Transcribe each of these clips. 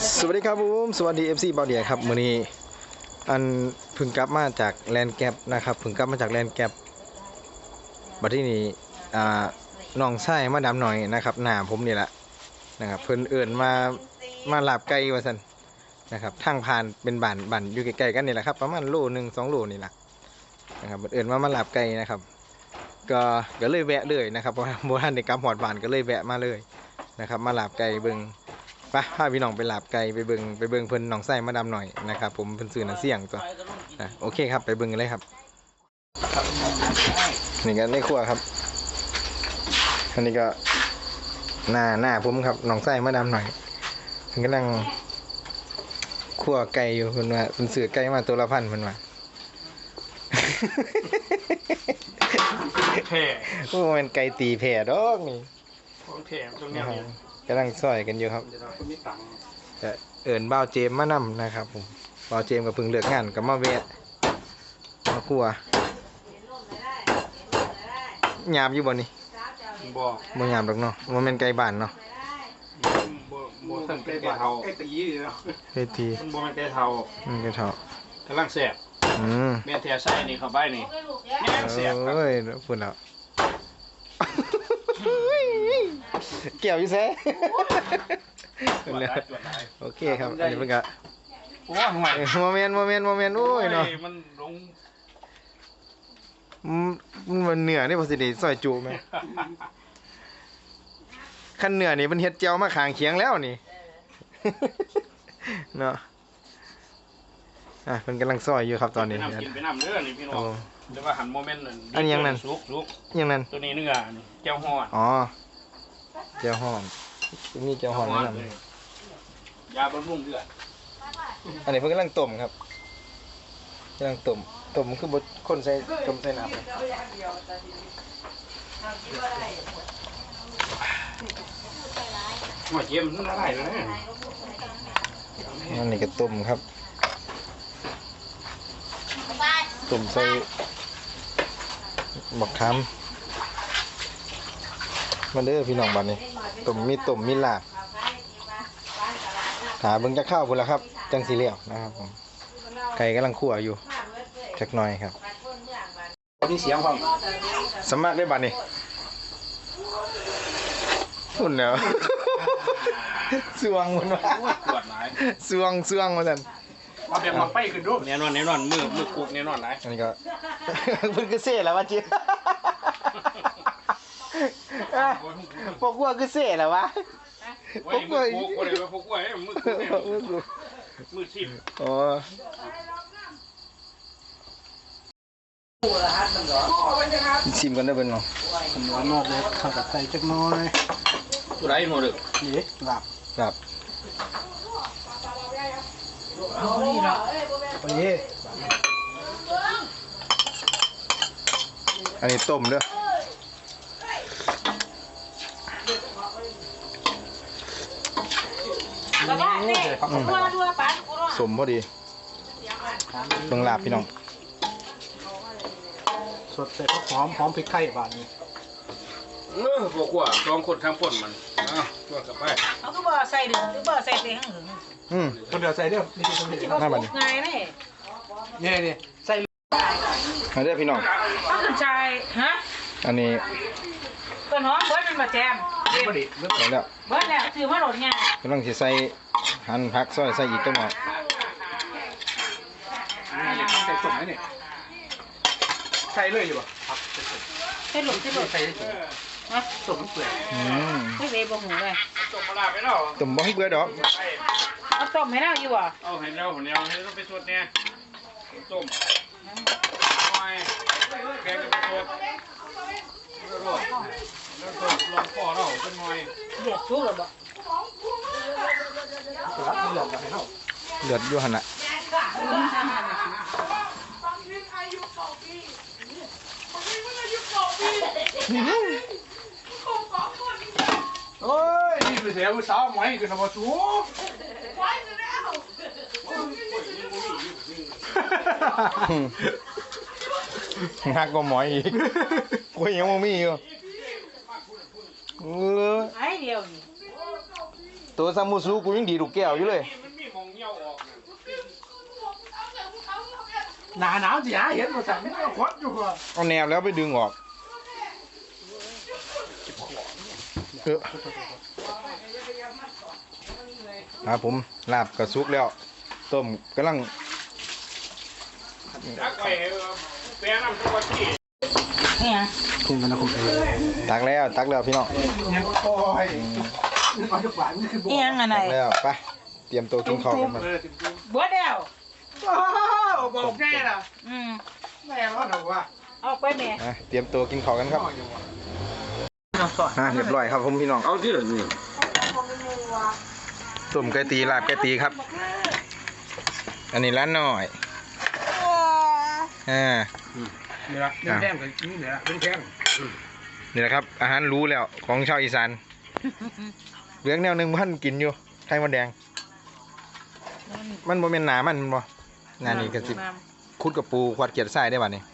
สวัสดีครับผมสวัสดี FC บอลเดียครับมื้อนี้อันพึ่งกลับมาจากแลนด์แกปนะครับพึ่งกลับมาจากแลนด์แกปบัดที่นี้น้องชายมาดำหน่อยนะครับหน้าผมนี่แหละนะครับเพิ่นเอิ้นมาลาบไก่ว่าซั่นนะครับทางผ่านเป็นบ้านอยู่ใกล้ๆกันนี่แหละครับประมาณโลนึง2 โลนี่แหละนะครับเอิ้นมาลาบไก่นะครับก็เลยแวะเลยนะครับเพราะบ่ทันได้กลับฮอดบ้านก็เลยแวะมาเลยนะครับมาลาบไก่เบิ่งไปพาพี่น้องไปลาบไก่ไปเบิ่งเพิ่นน้องไส้มาดำหน่อยนะครับผมเพิ่นซื้อน้ำเสี่ยงตัวโอเคครับไปเบิ่งกันเลยครับนี่กันในครัวครับอันนี้ก็หน้าผมครับน้องไส้มาดำหน่อยเพิ่นกำลังคั่วไก่อยู่เพิ่นว่าเพิ่นซื้อไก่มาตัวละ1,000เพิ่นว่าแผ่โอ้มันไก่ตีแผ่ดอกนี่ของแผ่ตรงนี้กำลังซอยกันอยู่ครับเอิญบ่าวเจมมานำนะครับผมบ่าวเจมกับพึ่งเลือกงานกับมาแวะมาครัวหยาบอยู่บ่นี่บ่หยาบดอกเนาะมันเป็นไก่บ้านเนาะบ่สั่งไก่เทาไก่ตีเนาะไก่ตีมันบ่แม่นไก่เทาไก่เทากำลังแซ่บแม่แท้ใส่นี่เข้าไปนี่แม่แซ่บครับเอ้ยพูดแล้วเกี่ยวอยู่แซ่โอเคครับอันนี้เพิ่นก็โอ้ห่วยโมเมนต์โอ้ยเนาะมันลงมันเหนือนี่พอสิได้ซอยจุไหมขั้นเหนือนี่มันเฮ็ดเจียวมาข้างเคียงแล้วนี่เนาะเพิ่นกำลังซอยอยู่ครับตอนนี้กินไปน้ำเด้อนี่พี่น้องเดี๋ยวว่าหันโมเมนต์อันยังนั่นสุกยังนั่นตัวนี้เนื้อนี่แก้วฮ้อนอ๋อแก้วฮ้อนมีแก้วฮ้อนนั่นยาบำรุงเลือดอันนี้เพิ่นกำลังต้มครับกำลังต้มคือบดคนใส่ต้มใส่น้ำหัวเจี๊ยบมันละลายเลยอันนี้ก็ต้มครับต้มใส่บักขามมาเด้อพี่น้องบ้านนี้ต้มมีลาบหาเบิ่งจะข้าวพุ่นละครับจังสีเหลี่ยวนะครับผมไก่กำลังคั่วอยู่จักหน่อยครับมีเสียงฟังสมัครได้บัดนี้พุ่นแล้วสวงมันว่าปวดหลายสวงว่าซั่นมาเป็นมาไปขึ้นดูแน่นอนมือคุกแน่นอนหลายอันนี้ก็เพิ่นคือเซ่แล้วว่าจิพวกว่าคือเซ่แล้ววะพวกว่ามือชิมอ๋อชิมกันได้เป็นเนาะหวานมากเลยข้าวกับไก่จักน้อยไรหมดเลยนี่หลับนี่อันนี้ต้มเด้อสมพอดีเบิ่งลาบพี่น้องสดใส่หอมพริกไทยบาดนี้พวกว่าลองคนทำป่นมันตัวกับไปเขาก็บ่ใส่ดึงหรือบ่ใส่เตียงหึงคนเดียวใส่เดียวนี่คนเดียวน่าบัดนี้ง่ายนี่ใส่อันนี้พี่น้องเขาคือใจฮะอันนี้ต้นหอมเบิดมันมาแจมเบิดแล้วถือมาโหลดง่ายกำลังสิใส่หั่นผักซอยใส่อีกจังหน่อยใส่ส่งไหมเนี่ยใส่เลยอยู่ป่ะใส่หลุมใส่นะส่งเปลือกไม่เวบ่หูเลยต้มปลาไปแล้วต้มบ่ให้เบื่อดอกเอาต้มให้เราอยู่อ่ะเอาให้เราให้ต้องไปสดเนี่ยต้มน้อยแกงจะไปสดแล้วลองปอเราเป็นน้อยเดือดชุกหรือเปล่าเดือดอยู่หั่นน่ะโอ้ยนี่คือเสียมือสาวไหมคือทำมาสูหักก็หมอยอีกกูยังไม่มีอยู่ไอ้เดียวนี่ตัวซามูซูกูยังดีลูกแก้วอยู่เลยมันมีมองเงี้ยวออกหนาวสิหาเห็นบ่สั่งไม่เอาควัดอยู่ว่ะเอาแนวแล้วไปดึงออกครับผมลาบกระซุกแล้วต้มกำลังจักไปแปลน้ำตัวที่นี่ฮะตักแล้วพี่น้องยังโอ้ยเอาทุกวันนี่คือบ่นี่ยังไงตักแล้วไปเตรียมตัวกินข้าวกันมาบัวเดียวบอกแน่ล่ะแม่แม่ว่าหนูว่าเอาไปแม่เตรียมตัวกินข้าวกันครับเรียบร้อยครับผมพี่น้องเอาที่เหรอนี่ต้มไก่ตีลาบไก่ตีครับ อันนี้ร้านน้อยนี่ละเป็นแก้มกับนี่เนี่ยเป็นแก้มนี่แหละครับ อาหารรู้แล้วของชาวอีสานเหลืองแนวหนึ่งพันกินอยู่ไข่มดแดง มันบ่เป็นหนามันบ่งานนี้ก็สิคุดกับปูควาดเกียดไส้ได้บัดนี้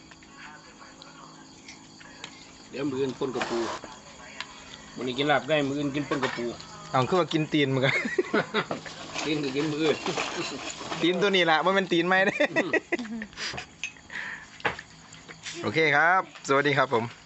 เดี๋ยวมืออื่นปนกระปูวันนี้กินลาบได้มืออื่นกินปนกระปูเอาคือว่ากินตีนมึงกันกินก็กินมืออื่นตีนตัวนี้ล่ะมันเป็นตีนไหมเด้ โอเคครับ สวัสดีครับผม